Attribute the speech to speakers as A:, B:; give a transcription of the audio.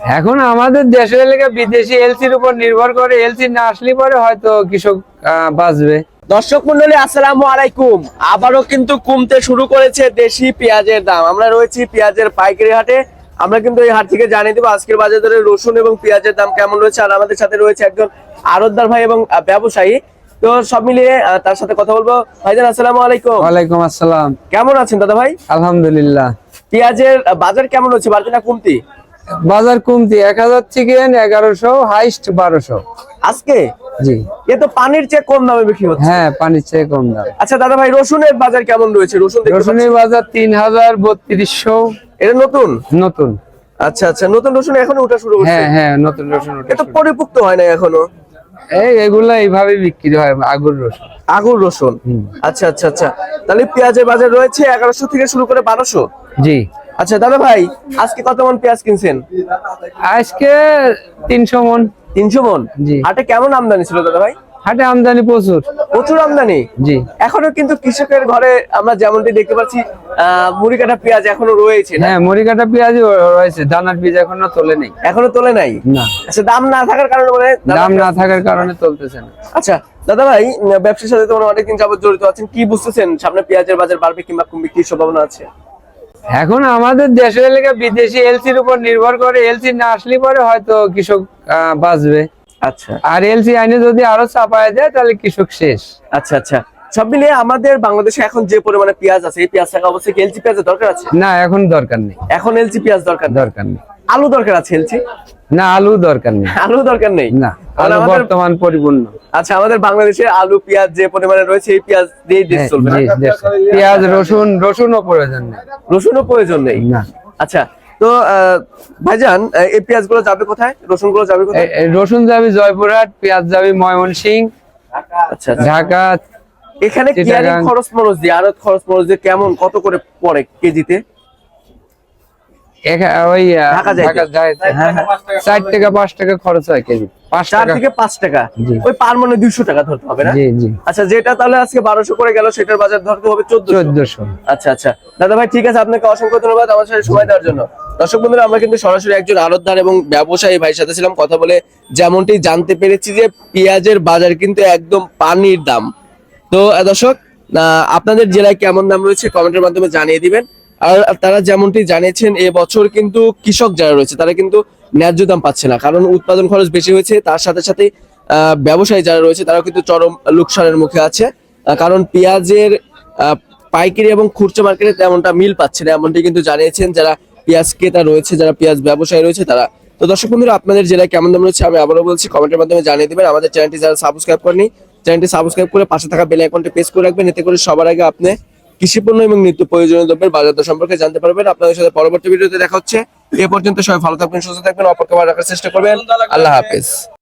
A: এখন আমাদের দেশের এলাকা বিদেশি এলসির উপর নির্ভর করে, এলসি না আসলে পরে হয়তো কৃষক বাঁচবে।
B: দর্শক মন্ডলী আসসালামু আলাইকুম। আবারও কিন্তু কমতে শুরু করেছে দেশি পেঁয়াজের দাম। আমরা রয়েছি পেঁয়াজের পাইকারি হাটে। আমরা কিন্তু এই হাট থেকে জানিয়ে দেবো আজকের বাজার দরে রসুন এবং পেঁয়াজের দাম কেমন রয়েছে। আর আমাদের সাথে রয়েছে একজন আড়তদার ভাই এবং ব্যবসায়ী। তো সব মিলিয়ে তার সাথে কথা বলবো। ভাইজান আসসালামু আলাইকুম।
A: ওয়ালাইকুম আসসালাম।
B: কেমন আছেন দাদা ভাই?
A: আলহামদুলিল্লাহ।
B: পেঁয়াজের বাজার কেমন হচ্ছে, বাড়তি না কমতি?
A: বাজার কমতি 1000 থেকে 1100, হাইস্ট 1200
B: আজকে।
A: জি,
B: এ তো পানির চেয়ে কম দামে বিক্রি হচ্ছে।
A: হ্যাঁ, পানির চেয়ে কম দাম।
B: আচ্ছা দাদা ভাই, রসুনের বাজার কেমন রয়েছে?
A: রসুনের বাজার 3000, 3200।
B: এটা নতুন
A: নতুন।
B: আচ্ছা আচ্ছা, নতুন রসুন এখনো ওঠা শুরু হচ্ছে?
A: হ্যাঁ হ্যাঁ, নতুন রসুন ওঠা
B: এটা
A: শুরু।
B: পরিপুক্ত হয় না এখনো?
A: এগুলা এইভাবে বিক্রি হয়, আগুর রসুন।
B: আগুর রসুন। আচ্ছা আচ্ছা আচ্ছা, তাহলে পেঁয়াজের বাজার রয়েছে 1100 থেকে শুরু করে 1200।
A: জি।
B: আচ্ছা দাদা ভাই, আজকে কত মন পেঁয়াজ কিনছেন?
A: আজকে 300 মন।
B: 300 মন।
A: জি।
B: হাটে কেমন আমদানি ছিল দাদা ভাই?
A: হাটে আমদানি প্রচুর।
B: প্রচুর আমদানি।
A: জি।
B: এখনো কিন্তু কৃষকের ঘরে আমরা যেমনটি দেখতে পাচ্ছি মুড়ি কাটা পেঁয়াজ এখনো রয়েছে না?
A: হ্যাঁ, মুড়ি কাটা পেঁয়াজই রয়েছে, দানার বীজ এখনো তোলে নেই।
B: এখনো তোলে নাই?
A: না।
B: আচ্ছা, দাম না থাকার কারণে মানে
A: দাম না থাকার কারণে চলতেছে না।
B: আচ্ছা দাদা ভাই, ব্যবসার সাথে তো অনেকদিন যাবত জড়িত আছেন, কি বুঝতেছেন সামনে পেঁয়াজের বাজার বাড়বে কিংবা কমবে, কি সম্ভাবনা আছে?
A: এখন আমাদের দেশের এলাকা বিদেশি এলসির উপর নির্ভর করে, এলসি না আসলে পরে হয়তো কৃষক বাঁচবে।
B: আচ্ছা।
A: আর এলসি আইনে যদি আরো চাপায় দেয় তাহলে কৃষক শেষ।
B: আচ্ছা আচ্ছা, সব মিলিয়ে আমাদের বাংলাদেশে এখন যে পরিমাণে পেঁয়াজ আছে, এই পেঁয়াজ থাকা অবশ্যই এলসি পেঁয়াজের দরকার আছে?
A: না, এখন দরকার নেই।
B: এখন এলসি পেঁয়াজ দরকার
A: দরকার নেই।
B: আলু দরকার আছে এলসি?
A: না, আলু দরকার নেই।
B: আলু দরকার নেই
A: না, আলু বর্তমান পরিপূর্ণ।
B: আচ্ছা, আমাদের বাংলাদেশে আলু পেঁয়াজ যে পরিমাণে রয়েছে, এই পেঁয়াজ দিয়ে দেশ চলবে না?
A: পেঁয়াজ রসুনও প্রয়োজন নেই।
B: রসুনও প্রয়োজন নেই
A: না।
B: আচ্ছা, তো ভাইজান এই পেঁয়াজ গুলো যাবে কোথায়? রসুন গুলো যাবে কোথায়?
A: রসুন যাবে জয়পুরহাট, পেঁয়াজ যাবে ময়মনসিংহ,
B: আচ্ছা,
A: ঢাকা।
B: এখানে কিয়ারি খরচ মরচ দিয়ে, আড়ত খরচ মরচ দিয়ে কেমন কত করে পড়ে কেজিতে?
A: ওই
B: ঢাকা যায়
A: 4 টাকা 5 টাকা খরচ হয় কেজি।
B: 4 থেকে 5 টাকা। ওই পার মানে 200 টাকা ধরতে হবে না?
A: জি জি।
B: আচ্ছা, যেটা তাহলে আজকে 1200 করে গেল, সেটার বাজার ধরতে হবে 1400। আচ্ছা আচ্ছা দাদা ভাই, ঠিক আছে, আপনাকে অসংখ্য ধন্যবাদ আমার সাথে সময় দেওয়ার জন্য। দর্শক বন্ধুরা, আমরা কিন্তু সরাসরি একজন আড়তদার এবং ব্যবসায়ী ভাইয়ের সাথে ছিলাম, কথা বলে যেমনটি জানতে পেরেছি যে পেঁয়াজের বাজার কিন্তু একদম পানির দাম। তো দর্শক, আপনাদের জেলায় কেমন দাম রয়েছে কমেন্টের মাধ্যমে জানিয়ে দিবেন। আর তারা যেমনটি জানিয়েছেন, এবছর কিন্তু কৃষক যারা রয়েছে তারা কিন্তু ন্যায্য দাম পাচ্ছে না, কারণ উৎপাদন খরচ বেশি হয়েছে। তার সাথে সাথে ব্যবসায়ী যারা রয়েছে তারা কিন্তু চরম লোকসানের মুখে আছে, কারণ পেঁয়াজের পাইকারি এবং খুচরা মার্কেটে তেমনটা মিল পাচ্ছে না, এমনটি কিন্তু জানিয়েছেন যারা পেঁয়াজ ক্রেতা রয়েছে, যারা পেঁয়াজ ব্যবসায়ী রয়েছে তারা। তো দর্শক বন্ধুরা, আপনাদের জেলায় কেমন দাম রয়েছে আমি আবারও বলছি, কমেন্টের মাধ্যমে জানিয়ে দিবেন। আমাদের চ্যানেলটি যারা সাবস্ক্রাইব করেনি, চ্যানেলটি সাবস্ক্রাইব করে পাশে থাকা বেল আইকনটি প্রেস করে রাখবেন, এতে করে সবার আগে আপনি কৃষি পণ্য এবং নিত্য প্রয়োজনীয় দ্রব্যের বাজার দর সম্পর্কে জানতে পারবেন। আপনাদের সাথে পরবর্তী ভিডিওতে দেখা হচ্ছে। এ পর্যন্ত সবাই ভালো থাকবেন, সুস্থ থাকবেন, অপরকে ভালো রাখার চেষ্টা করবেন। আল্লাহ হাফেজ।